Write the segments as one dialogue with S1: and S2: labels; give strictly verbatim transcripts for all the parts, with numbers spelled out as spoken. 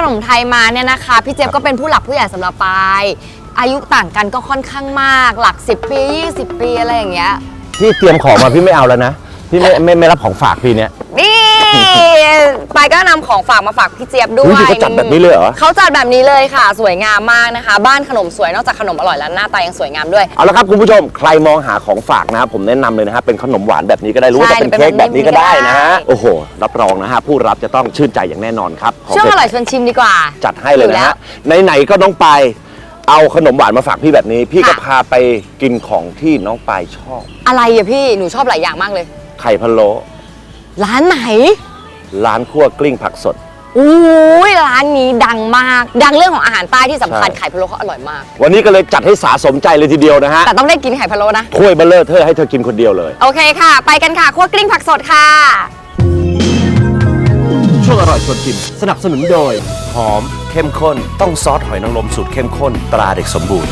S1: นมไทยมาเนี่ยนะคะพี่เจี๊ยบก็เป็นผู้หลักผู้ใหญ่สำหรับปายอายุต่างกันก็ค่อนข้างมากหลักสิบปียี่สิบปีอะไรอย่างเงี้ย
S2: พี่เตรียมของมาพี่ไม่เอาแล้วนะพี่ไม่ไม่ไม่รับของฝากพี่เนี่ย
S1: นี่ปายก็นำของฝากมาฝากพี่เจี๊ยบด้วย
S2: เขาจัดแบบนี้เลยเหรอ
S1: เขาจัดแบบนี้เลยค่ะสวยงามมากนะคะบ้านขนมสวยนอกจากขนมอร่อยแล้วหน้าตายังสวยงามด้วย
S2: เอาละครับคุณผู้ชมใครมองหาของฝากนะครับผมแนะนำเลยนะฮะเป็นขนมหวานแบบนี้ก็ได้รู้ว่าจะเป็นเค้กแบบนี้ก็ได้นะฮะโอ้โหรับรองนะฮะผู้รับจะต้องชื่นใจอย่างแน่นอนครับ
S1: ช่วงอร่อยชวนชิมดีกว่า
S2: จัดให้เลยนะฮะไหนๆก็น้องปายเอาขนมหวานมาฝากพี่แบบนี้พี่ก็พาไปกินของที่น้องปายชอบ
S1: อะไรอะพี่หนูชอบหลายอย่างมากเลย
S2: ไข่พะโล้
S1: ร้านไหน
S2: ร้านคั่วกลิ้งผักสด
S1: อู้ยร้านนี้ดังมากดังเรื่องของอาหารใต้ที่สำคัญไข่พะโล้เขาอร่อยมาก
S2: วันนี้ก็เลยจัดให้สาสมใจเลยทีเดียวนะฮะ
S1: แต่ต้องได้กินไข่พะโล้นะ
S2: ถ้วยเบลเลอร์เธอให้เธอกินคนเดียวเลย
S1: โอเคค่ะไปกันค่ะคั่วกลิ้งผักสดค่ะ
S2: ช่วงอร่อยชวนชิมสนับสนุนโดยหอมเข้มข้นต้องซอสหอยนางรมสูตรเข้มข้นตราเด็กสมบูรณ์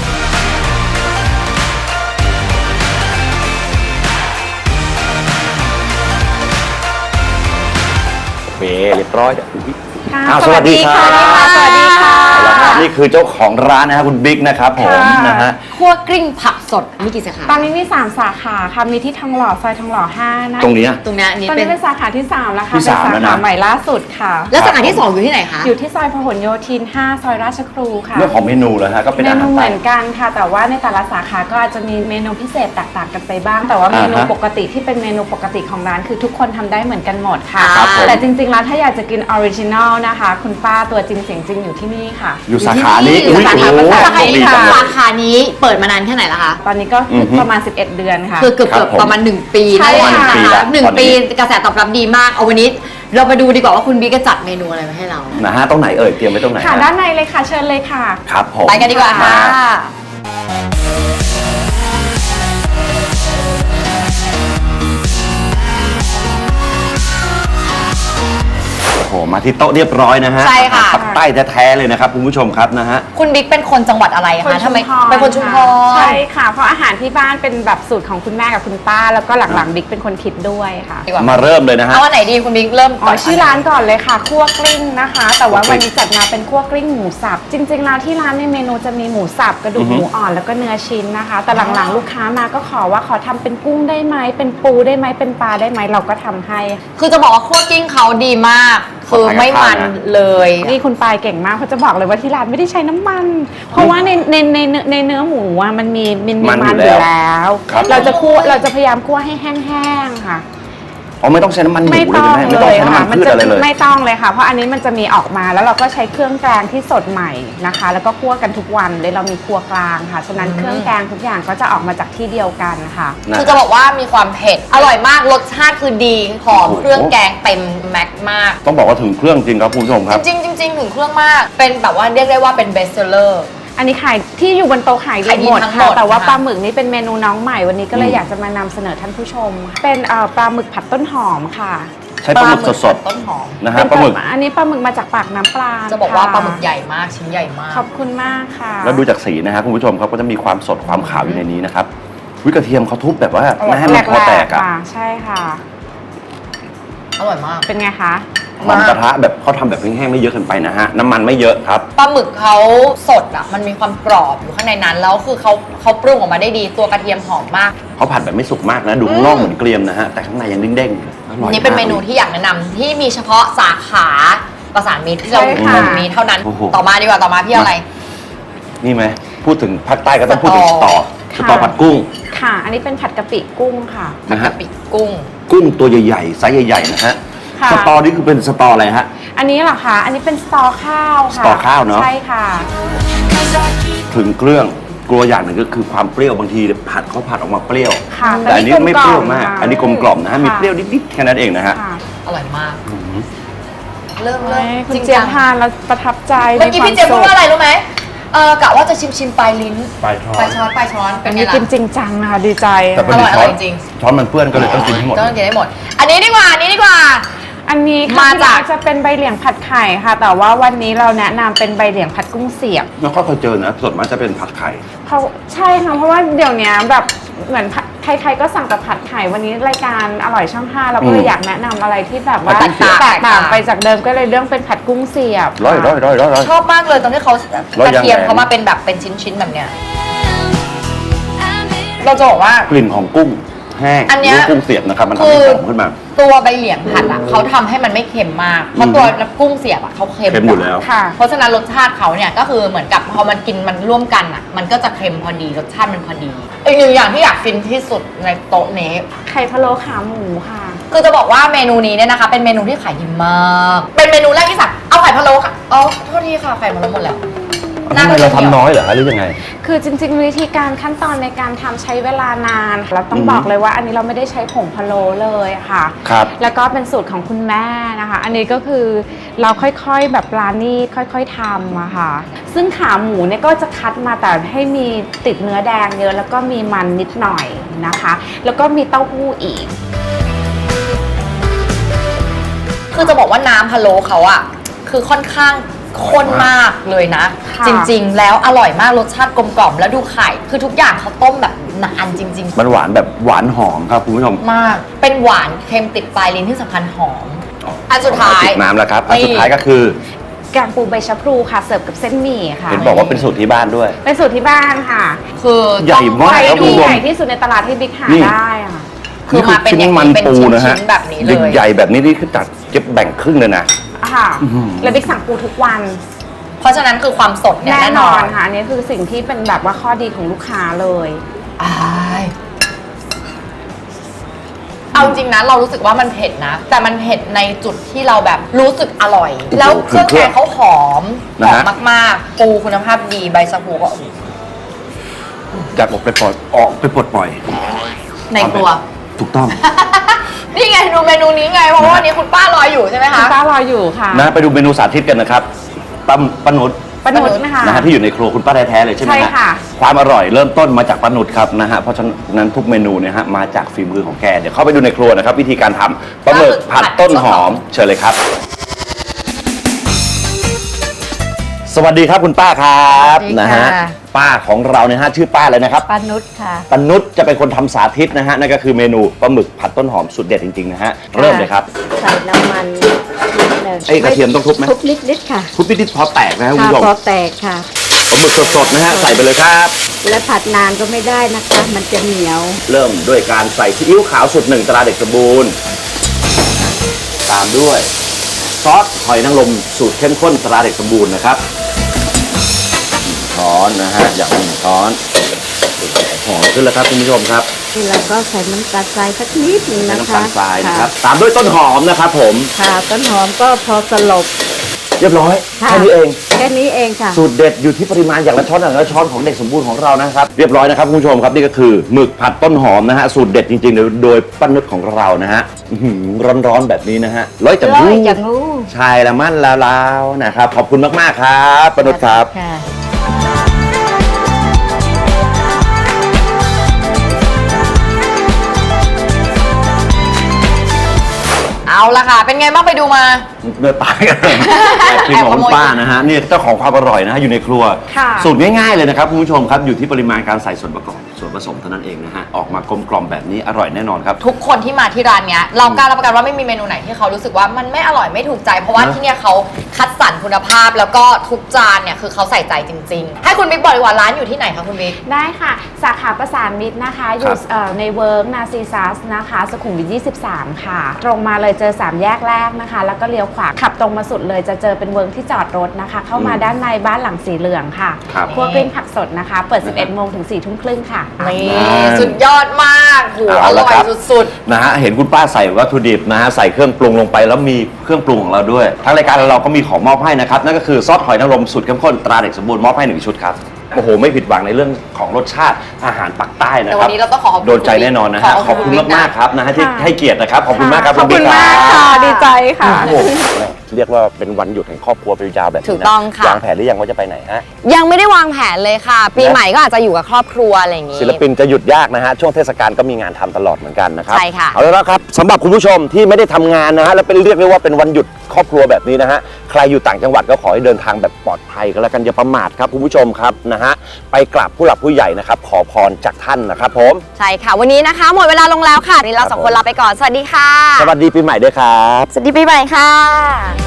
S2: เรียบร้อย
S3: ค่ะสวัสดีค่ะ
S1: สวัสดีค่ะ
S2: นี่คือเจ้าของร้านนะครับคุณบิ๊กนะครับผมนะฮะ
S1: คั่วกลิ้งผักสดมีกี่สาขา
S3: ตอนนี้มีสามสาขาค่ะมีที่ทองหล่อซอยทองหล่อห้านะ
S2: ตรงนี้
S1: ตรงนี้
S3: ตอนนี้เป็นสาขาที่สามแล้วค่ะเป็นสาขาใหม่ล่าสุดค่ะ
S1: แล้วสาขาที่สองอยู่ที่ไหนคะ
S3: อยู่ที่ซอยพหลโยธินห้าซอยราชครูค่ะ
S2: เรื่องของเมนูเลยฮะก็เป็นอาหาร
S3: เมนูเหมือนกันค่ะแต่ว่าในแต่ละสาขาก็อาจจะมีเมนูพิเศษแตกต่างกันไปบ้างแต่ว่าเมนูปกติที่เป็นเมนูปกติของร้านคือทุกคนทำได้เหมือนกันหมดค่ะแต่จริงๆแล้วถ้าอยากจะกินออริจินอลนะคะคุณป้าตัวจริงเสียงจริงอยู่ที่นี่ค่ะ
S2: อยู่สาขานี้
S1: สาขาสาขานี้สาขานี้เปิดมานานแค่ไหนแล้วคะ
S3: ตอนนี้ก็ประมาณสิบเอ็ดเดือนค่ะ
S1: คือเกือบๆประมาณหนึ่งปี
S3: ใช่ค่ะ
S1: หนึ่งปีกระแสตอบรับดีมากเอาวันนี้เรามาดูดีกว่าว่าคุณบิ๊กจะจัดเมนูอะไรมาให้เรา
S2: นะฮะตรงไหนเอ่ยเตรียมไว้ตรงไหน
S3: ค่ะด้านในเลยค่ะเชิญเลยค่ะ
S2: ครับผม
S1: ไปกันดีกว่าค่ะ
S2: โอ้มาที่โต๊ะเรียบร้อยนะฮะ
S1: ใช่ค่ะ
S2: ปักใต้แท้ๆเลยนะครับคุณผู้ชมครับนะฮะ
S1: คุณบิ๊กเป็นคนจังหวัดอะไรคะทำไมเป็นคนชุมพร
S3: ใช่ค่ะเพราะอาหารที่บ้านเป็นแบบสูตรของคุณแม่กับคุณป้าแล้วก็หลังๆบิ๊กเป็นคนคิดด้วยค่ะ
S2: มาเริ่มเลยนะฮะ
S1: เอาอันไหนดีคุณบิ๊กเริ่ม
S3: อ๋อชื่อร้านก่อนเลยค่ะคั่วกลิ้งนะคะแต่ว่าวันนี้จัดมาเป็นคั่วกลิ้งหมูสับจริงๆแล้วที่ร้านในเมนูจะมีหมูสับกระดูกหมูอ่อนแล้วก็เนื้อชิ้นนะคะแต่หลังๆลูกค้ามาก็ขอว่าขอทำเป็นกุ้งได้ไหมเป็นปูได้ไหมเป็นปลาได้ไหมเราก็ทำให้
S1: คือจะบอกว่าคั่วกลิ้งเขาดีมากคือไม่มันเลย
S3: นี่คุณปายเก่งมากเขาจะบอกเลยว่าที่ร้านไม่ได้ใช้น้ำมันเพราะว่าในในในในเนื้อหมูอ่ะมันมีมันมีมันอยู่แล้วเราจะคั่วเราจะพยายามคั่วให้แห้งๆค่ะ
S2: อ๋อไม่ต้องใช้น้ำมันหมูเลยใช่ไหมไม่ต้องใช้น้ำมันพืชอะไรเลย
S3: ไม่ต้องเลยค่ะเพราะอันนี้มันจะมีออกมาแล้วเราก็ใช้เครื่องแกงที่สดใหม่นะคะแล้วก็คั่วกันทุกวันเลยเรามีครัวกลางค่ะฉะนั้นเครื่องแกงทุกอย่างก็จะออกมาจากที่เดียวกันค่ะ
S1: คือจะบอกว่ามีความเผ็ดอร่อยมากรสชาติคือดีหอมเครื่องแกงเต็มแม็กมาก
S2: ต้องบอกว่าถึงเครื่องจริงครับคุณผู้ชมครับ
S1: จริงจริงถึงเครื่องมากเป็นแบบว่าเรียกได้ว่าเป็นเบสเซอร์
S3: อันนี้ขายที่อยู่บนโต๊ะขายดีหมดค่ะแต่ว่าปลาหมึกนี้เป็นเมนูน้องใหม่วันนี้ก็เลยอยากจะมานำเสนอท่านผู้ชมเป็นปลาหมึกผัดต้นหอมค่ะ
S2: ใช้ปลาหมึกสด
S1: ๆต้นหอม
S2: นะฮะปลาหมึก
S3: อันนี้ปลาหมึกมาจากปากน้ำปลา
S1: จะบอกว่าปลาหมึกใหญ่มากชิ้นใหญ่มาก
S3: ขอบคุณมากค่ะ
S2: แล้วดูจากสีนะฮะคุณผู้ชมครับก็จะมีความสดความขาวอยู่ในนี้นะครับวิกระเทียมเขาทุบแบบว่าไม่ให้มันคอแตกอ่ะ
S3: ใช่ค่ะ
S1: อร่อยมาก
S3: เป็นไงคะ
S2: หอมกระทะแบบเขาทำแบบแห้งๆไม่เยอะเกินไปนะฮะน้ำมันไม่เยอะครับ
S1: ปลาหมึกเขาสดอ่ะมันมีความกรอบอยู่ข้างในนั้นแล้วคือเขาเขาปรุงออกมาได้ดีตัวกระเทียมหอมมาก
S2: เขาผัดแบบไม่สุกมากนะดูข้างนอกเหมือนเกรียมนะฮะแต่ข้างในยังเด้งๆอร่อย
S1: นี่เป็นเมนูที่อยากแนะนำที่มีเฉพาะสาขาประสานมิตรที่เราอยู่ตรงนี้เท่านั้นต่อมาดีกว่าต่อมาพี่อะไร
S2: นี่ไหมพูดถึงภาคใต้ก็ต้องพูดถึงสตอสตอผัดกุ้ง
S3: ค่ะอันนี้เป็นผัดกะปิกุ้งค่ะ
S1: ผัดกะปิกุ้ง
S2: กุ้งตัวใหญ่ๆไซส์ใหญ่ๆนะฮะสตอนี่คือเป็นสตออะไรฮะ
S3: อันนี้เหรอคะอันนี้เป็นสตอข้าวค่ะ
S2: สตอข้าวเนาะ
S3: ใช่ค่ะ
S2: ถึงเครื่องกลัวอย่างหนึ่งก็คือความเปรี้ยวบางทีผัดเขาผัดออกมาเปรี้ยวแต่อันนี้ไม่เปรี้ยวมากอันนี้กลมกล่อมนะฮะมีเปรี้ยวนิดๆแค่นั้นเองนะฮะ
S1: อร่อยมากเริ่มเลย
S3: คุณเจี๊ยบทานแล้วประทับใจ
S1: เมื่อกี้พี่เจี๊ยบพูดว่าอะไรรู้ไหมเออกะว่าจะชิมชิมปลายลิ้น
S2: ปลายช้อน
S1: ปลายช้อนปลายช้อน
S3: เป็นไงล่ะกินจริงจังนะคะดีใจ
S2: แต่เป็นช้อนจริงช้อนมันเปื้อนก็เลยต้องกินให้หมด
S1: ต้องกินให้หมดอันนี้ดีกว่าอันนี้ดีกว่า
S3: อันนี้มาจากจะเป็นใบเหลียงผัดไข่ค่ะแต่ว่าวันนี้เราแนะนำเป็นใบเหลียงผัดกุ้งเสียบ
S2: ไม่ค่อยเคยเจอนะส่วนมากจะเป็นผัดไข่
S3: เขาใช่ค่ะเพราะว่าเดี๋ยวนี้แบบเหมือนใครๆก็สั่งแต่ผัดไข่วันนี้รายการอร่อยช่องห้าเราก็เลย
S2: อืม
S3: อยากแนะนำอะไรที่แบบว่า
S2: ผัดกุ้งเสียบ
S3: แตกต่างไปจากเดิมก็เลยเรื่องเป็นผัดกุ้งเสียบ
S2: ร้อยร้อยร้อยร้อยร้อย
S1: ชอบมากเลยตอนที่เขา
S2: ร้อย
S1: กระ
S2: ยาง
S1: เทียม
S2: แหลม
S1: เขามาเป็นแบบเป็นชิ้นๆแบบเนี้ยเราจะบอกว่า
S2: กลิ่นของกุ้งแห้ง
S1: อันเนี้ย
S2: หรืกุ้งเสียบนะครับมันทำ
S1: คื
S2: ให้
S1: อ
S2: หอมขึ้นมา
S1: ตัวใบเหลียงผัดอ่ะเขาทำให้มันไม่เค็มมาก เพราะตัวน้ำกุ้งเสียบอ่ะเขาเค็ม
S2: เค็มอยู่แล้ว
S3: ค่ะ
S1: เพราะฉะนั้นรสชาติเขาเนี่ยก็คือเหมือนกับพอมันกินมันร่วมกันอ่ะ มันก็จะเค็มพอดีรสชาติมันพอดีอีกหนึ่งอย่างที่อยากฟินที่สุดในโต๊ะนี้
S3: ไข่พะโล้ขาหมูค่ะ
S1: คือจะบอกว่าเมนูนี้เนี่ยนะคะ เป็นเมนูที่ขายดีมาก เป็นเมนูแรกที่สั่งเอาไข่พะโล้ค่ะอ๋อโทษทีค่ะไข่พะโล้หมดแล้ว
S2: ทำไมเราทำน้อยเหรอคะหรือยังไง
S3: คือจริงๆวิธีการขั้นตอนในการทำใช้เวลานานเราต้อง
S2: อือฮึ
S3: บอกเลยว่าอันนี้เราไม่ได้ใช้ผงพะโล้เลยค่ะ
S2: ครับ
S3: แล้วก็เป็นสูตรของคุณแม่นะคะ อันนี้ก็คือเราค่อยๆแบบปลานี่ค่อยๆทำอะค่ะ ซึ่งขาหมูเนี่ยก็จะคัดมาแต่ให้มีติดเนื้อแดงเยอะแล้วก็มีมันนิดหน่อยนะคะ แล้วก็มีเต้าหู้อีก
S1: คือจะบอกว่าน้ำพะโล้เขาอะคือค่อนข้างข้นมากเลยนะ
S3: ค่ะ
S1: จริงๆ แล้วอร่อยมากรสชาติกลมกล่อมแล้วดูไข่คือทุกอย่างเขาต้มแบบนานจริง
S2: มันหวานแบบหวานหอมครับคุณผู้ชม
S1: ๆ มาก เป็นหวานเค็มติดปลายลิ้นที่สำคัญหอม อันสุดท้าย
S2: จิบน้ำแล้วครับอัน
S1: นี่
S2: สุดท้ายก็คือ
S3: แกงปูใบชะพลูค่ะเสิร์ฟกับเส้นหมี่ค่ะ
S2: เห็นบอกว่าเป็นสูตรที่บ้านด้วย
S3: เป็นสูตรที่บ้านค่ะ
S1: คือ
S2: ใหญ่มาก
S3: ไข่
S2: ครับคุณ
S3: ที่
S2: ผู้ชม
S3: ใหญ่ที่สุดในตลาดที่บิ๊กหา
S2: นี่
S3: ได้อะค่ะ
S1: คือมาเป็นอย่าง
S2: มัน
S1: นี้เป็น
S2: ปู
S1: ชิ้
S2: นะฮะ
S1: นๆแบบนี้เลย
S2: ใหญ่แบบนี้นี่คือจัดเก็บแบ่งครึ่งเลยนะ
S3: ค่ะ
S2: อื้อหือ
S3: แล้วบิ๊กสั่งปูทุกวัน
S1: เพราะฉะนั้นคือความสดเนี่ย
S3: แน่
S1: แน่
S3: น
S1: น
S3: อ
S1: อน น
S3: ค่ะอันนี้คือสิ่งที่เป็นแบบว่าข้อดีของลูกค้าเลย
S1: อายเอาจริงนะเรารู้สึกว่ามันเผ็ดนะ แต่มันเผ็ดในจุดที่เราแบบรู้สึกอร่อย
S2: โอ้โห
S1: แล้วเครื่อง
S2: เครื่
S1: แก
S2: อง
S1: งเขาหอมห
S2: นะ
S1: อ
S2: ฮะ
S1: มมากๆ ปูคุณภาพดีใบชะพูก็
S2: อยากออกไปปลดออกไปปลดปล่อย
S1: ในครัว
S2: ถูกต้อง
S1: นี่ไงดูเมนูนี้ไง เพราะว่าวันนี้คุณป้ารออยู่ใช่ไหม
S3: คุ
S1: คะ
S3: ณป้ารออยู่ค่ะ
S2: นะไปดูเมนูสาธิตกันนะครับป้าป้านุช
S3: ปานุษนะคะ
S2: นะฮะที่อยู่ในครัวคุณป้าแท้ๆเลยใช่ไหม
S3: ใช่
S2: ฮะ
S3: ค่ะ
S2: ความอร่อยเริ่มต้นมาจากป้านุชครับนะฮะเพราะฉะนั้นทุกเมนูเนี่ยฮะมาจากฝีมือของแกเดี๋ยวเข้าไปดูในครัวนะครับวิธีการทำปลาหมึกผัดต้นหอมเชิญเลยครับ สวัสดีครับคุณป้าครับ
S4: สวัสดีค่ะ
S2: นะฮะป้าของเราเนี่ยฮะชื่อป้าเลยนะครับ
S4: ปานุชค่ะ
S2: ป้านุชจะเป็นคนทำสาธิตนะฮะนั่นก็คือเมนูปลาหมึกผัดต้นหอมสุดเด็ดจริงๆนะฮะเริ่มเลยครับ
S4: ใส่น้ำมันนิดหนึ่ง
S2: ไอ้กระเทียมต้องทุบไหม
S4: ทุบนิดๆค่ะ
S2: ทุบนิดๆพอแตกนะฮะคุณ
S4: ค่ะ
S2: ผู้ชม
S4: พอแตกค่ะ
S2: ปลาหมึกสดๆนะฮะใส่ไปเลยครับ
S4: และผัดนานก็ไม่ได้นะคะ มันจะเหนียว
S2: เริ่มด้วยการใส่ซีอิ๊วขาวสูตรหนึ่งตราเด็กสมบูรณ์ ตามด้วยซอสหอยนางรมสูตรเข้มข้นตราเด็กสมบูรณ์นะครับหนึ่งช้อนนะฮะอย่างหนึ่งช้อนหอมขึ้นแล้วครับคุณผู้ชมครับ
S4: แล้วก็ใส่น้ำตาลทรายสักนิดหนึง
S2: ใส่
S4: นะ
S2: น้ำ
S4: คะ
S2: ตาลทรายนะครับ
S4: ค่ะ
S2: ตามด้วยต้นหอมนะครับผม
S4: ค่ะต้นหอมก็พอสลบ
S2: เรียบร้อย
S4: ค่ะ
S2: แค่นี้เอง
S4: แค่นี้เองค่ะ
S2: สูตรเด็ดอยู่ที่ปริมาณอย่างละช้อนอย่างละช้อนของเด็กสมบูรณ์ของเรานะครับเรียบร้อยนะครับคุณผู้ชมครับนี่ก็คือหมึกผัดต้นหอมนะฮะสูตรเด็ดจริงๆโดยโดยป้านุชของเรานะฮะอื้อหือร้อนๆแบบนี้นะฮะร้อยจัง
S4: ร้อย
S2: งู
S4: จังงู
S2: ชายละมั่นละลาวนะครับขอบคุณมากๆครับป้านุชครับ
S4: ค่ะ
S1: เอาละค่ะ เป็นไงบ้างไปดูมา
S2: เนื้อตายกันทีมของคุณป้านะฮะนี่เจ้าของความอร่อยนะฮะอยู่ในครัว
S3: ค่ะ
S2: สูตรง่ายๆเลยนะครับคุณผู้ชมครับอยู่ที่ปริมาณการใส่ส่วนประกอบส่วนผสมเท่านั้นเองนะฮะออกมากลมกล่อมแบบนี้อร่อยแน่นอนครับ
S1: ทุกคนที่มาที่ร้านเนี้ยเรากล้ารับประกันว่าไม่มีเมนูไหนที่เขารู้สึกว่ามันไม่อร่อยไม่ถูกใจ เพราะว่า
S2: นะ
S1: ที่เนี่ยเขาคัดสรรคุณภาพแล้วก็ทุกจานเนี่ยคือเขาใส่ใจจริง ๆ ให้คุณบิ๊กบอกดีกว่าร้านอยู่ที่ไหนคะคุณบิ๊ก
S3: ได้ค่ะ สาขาประสานมิตรนะคะ อยู่เอ่อในเวิร์กนาซีซัสนะคะสุขุมวิทยี่สิบสามค่ะ ตรงมาเลยเจอสามแยกแรกนะคะ แล้วก็เลี้ยวขวาขับตรงมาสุดเลยจะเจอเป็นเวิร์กที่จอดรถนะคะ เข้ามา
S2: อืม
S3: ด้านในบ้านหลังสีเหลืองค่ะ
S2: ครับ
S3: ครัวกลิ้งผักสดนะคะ เปิด สิบเอ็ดโมงถึงสี่ทุ่มครึ่งค่ะ
S1: นี่
S2: นั่น
S1: สุดยอดมากโหอ
S2: เอาละ
S1: ร่อย
S2: ครับ
S1: สุด
S2: นะฮะเห็นคุณป้าใส่วัตถุดิบนะฮะใส่เครื่องปรุงลงไปแล้วมีเครื่องปรุงของเราด้วยทางรายการเราก็มีของมอบให้นะครับนั่นก็คือซอสหอยนางรมสูตรเข้มข้นตราเด็กสมบูรณ์มอบให้หนึ่งชุดครับโอ้โหไม่ผิดหวังในเรื่องของรสชาติอาหารปักใต้
S1: ๆ
S2: นะ
S1: แต่
S2: ค
S1: วั
S2: รั
S1: น
S2: บ
S1: นี้เราต้องขอขอบคุณ
S2: โดนใจแน่นอนนะฮะขอบคุณมากๆครับนะฮะที่
S3: ค่ะ
S2: ให้เกียรตินะครับขอบคุณมากครับ
S3: ขอบคุณ
S2: บิ๊
S3: มาก
S2: รับ
S3: ค่ะ ดีใจค่ะ
S2: โอ้โหทีเรียกว่าเป็นวันหยุดแห่งครอบครัวไปยาวแบบนี้นะ
S1: ถูกต้องค่ะ
S2: วางแผนหรือยังว่าจะไปไหนฮะ
S1: ยังไม่ได้วางแผนเลยค่ะ ปีใหม่ก็อาจจะอยู่กับครอบครัวอะไรอย่างงี้
S2: ศิลปินจะหยุดยากนะฮะช่วงเทศกาลก็มีงานทำตลอดเหมือนกันนะครับ
S1: ใช่ค่ะ
S2: เอาแล้วครับสำหรับคุณผู้ชมที่ไม่ได้ทำงานนะฮะและเป็นเรียกได้ว่าเป็นวันหยุดครอบครัวแบบนี้นะฮะใครอยู่ต่างจังหวัดก็ขอให้เดินทางแบบปลอดภัยก็แล้วกันอย่าประมาทครับคุณผู้ชมครับนะฮะไปกราบผู้หลักผู้ใหญ่นะครับขอพรจากท่านนะครับผม
S1: ใช่ค่ะ วันนี้นะคะ หมดเวลาลงแล้วค่ะวันนี้เราสองคนลาไปก่อนสวัสดีค่ะ
S2: สวัสดีปีใหม่ด้วยครับ
S1: สวัสดีปีใหม่ค่ะ